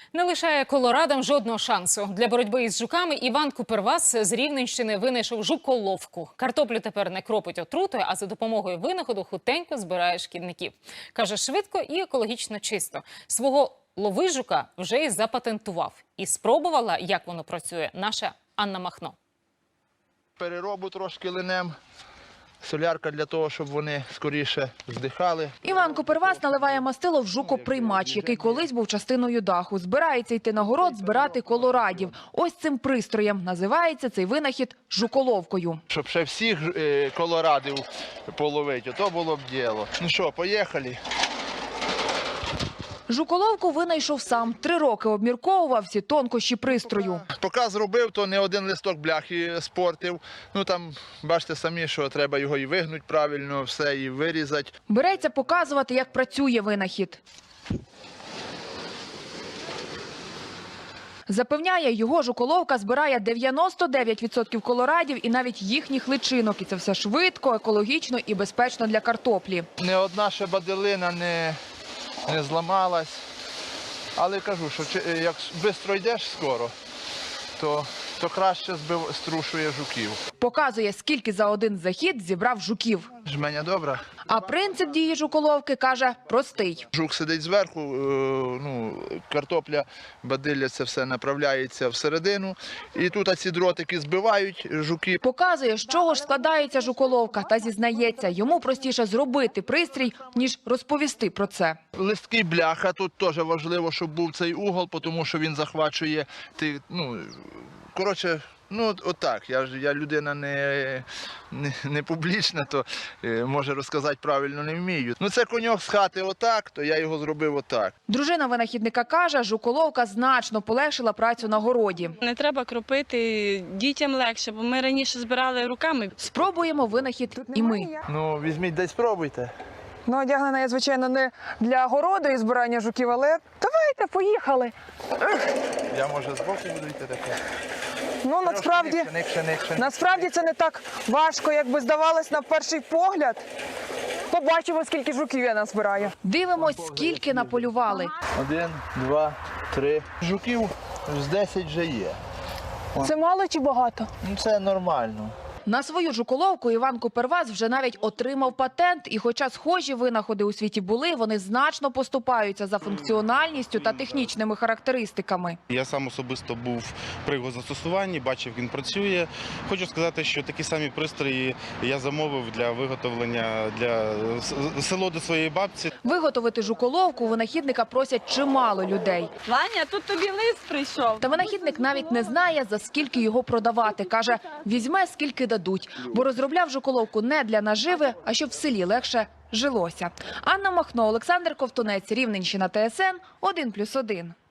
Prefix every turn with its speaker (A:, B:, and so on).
A: Не лишає колорадам жодного шансу. Для боротьби із жуками Іван Купервас з Рівненщини винайшов жуколовку. Картоплю тепер не кропить отрутою, а за допомогою винаходу хутенько збирає шкідників. Каже, швидко і екологічно чисто. Свого ловижука вже і запатентував. І спробувала, як воно працює, наша Анна Махно.
B: Переробу трошки линем. Солярка для того, щоб вони скоріше здихали.
C: Іван Купервас наливає мастило в жукоприймач, який колись був частиною даху. Збирається йти на город збирати колорадів. Ось цим пристроєм називається цей винахід жуколовкою.
B: Щоб ще всіх колорадів половити, то було б діло. Ну що, поїхали.
C: Жуколовку винайшов сам. 3 роки обмірковував всі тонкощі пристрою.
B: Поки зробив, то не один листок бляхи спортив. Ну там, бачите самі, що треба його і вигнути правильно, все, і вирізати.
C: Береться показувати, як працює винахід. Запевняє, його жуколовка збирає 99% колорадів і навіть їхніх личинок. І це все швидко, екологічно і безпечно для картоплі.
B: Не одна ще баделина не зламалась. Але кажу, що як швидко йдеш скоро, то краще струшує жуків.
C: Показує, скільки за один захід зібрав жуків.
B: Жменя добра.
C: А принцип дії жуколовки, каже, простий.
B: Жук сидить зверху, картопля, бадилля, це все направляється всередину. І тут ці дротики збивають жуки.
C: Показує, з чого ж складається жуколовка, та зізнається, йому простіше зробити пристрій, ніж розповісти про це.
B: Листки бляха, тут теж важливо, щоб був цей угол, тому що він захвачує, коротше, отак. Я людина не публічна, то може розказати правильно не вмію. Це коньок з хати отак, то я його зробив отак.
C: Дружина винахідника каже, жуколовка значно полегшила працю на городі.
D: Не треба кропити, дітям легше, бо ми раніше збирали руками.
C: Спробуємо винахід і ми.
B: Візьміть, десь спробуйте.
E: Одягнена я, звичайно, не для городу і збирання жуків, але давайте, поїхали.
B: Я, може, збоку буду йти таке?
E: Насправді це не так важко, як би здавалось на перший погляд. Побачимо, скільки жуків я назбираю.
C: Дивимось, скільки наполювали.
B: 1, 2, 3. Жуків з 10 вже є.
E: Це мало чи багато?
B: Це нормально.
C: На свою жуколовку Іван Купервас вже навіть отримав патент. І хоча схожі винаходи у світі були, вони значно поступаються за функціональністю та технічними характеристиками.
F: Я сам особисто був при його застосуванні, бачив, як він працює. Хочу сказати, що такі самі пристрої я замовив для виготовлення для село до своєї бабці.
C: Виготовити жуколовку у винахідника просять чимало людей.
D: Ваня, тут тобі лист прийшов.
C: Та винахідник навіть не знає, за скільки його продавати. Каже, візьме, скільки дадуть. Бо розробляв жуколовку не для наживи, а щоб в селі легше жилося. Анна Махно, Олександр Ковтунець, Рівненщина, ТСН 1+1.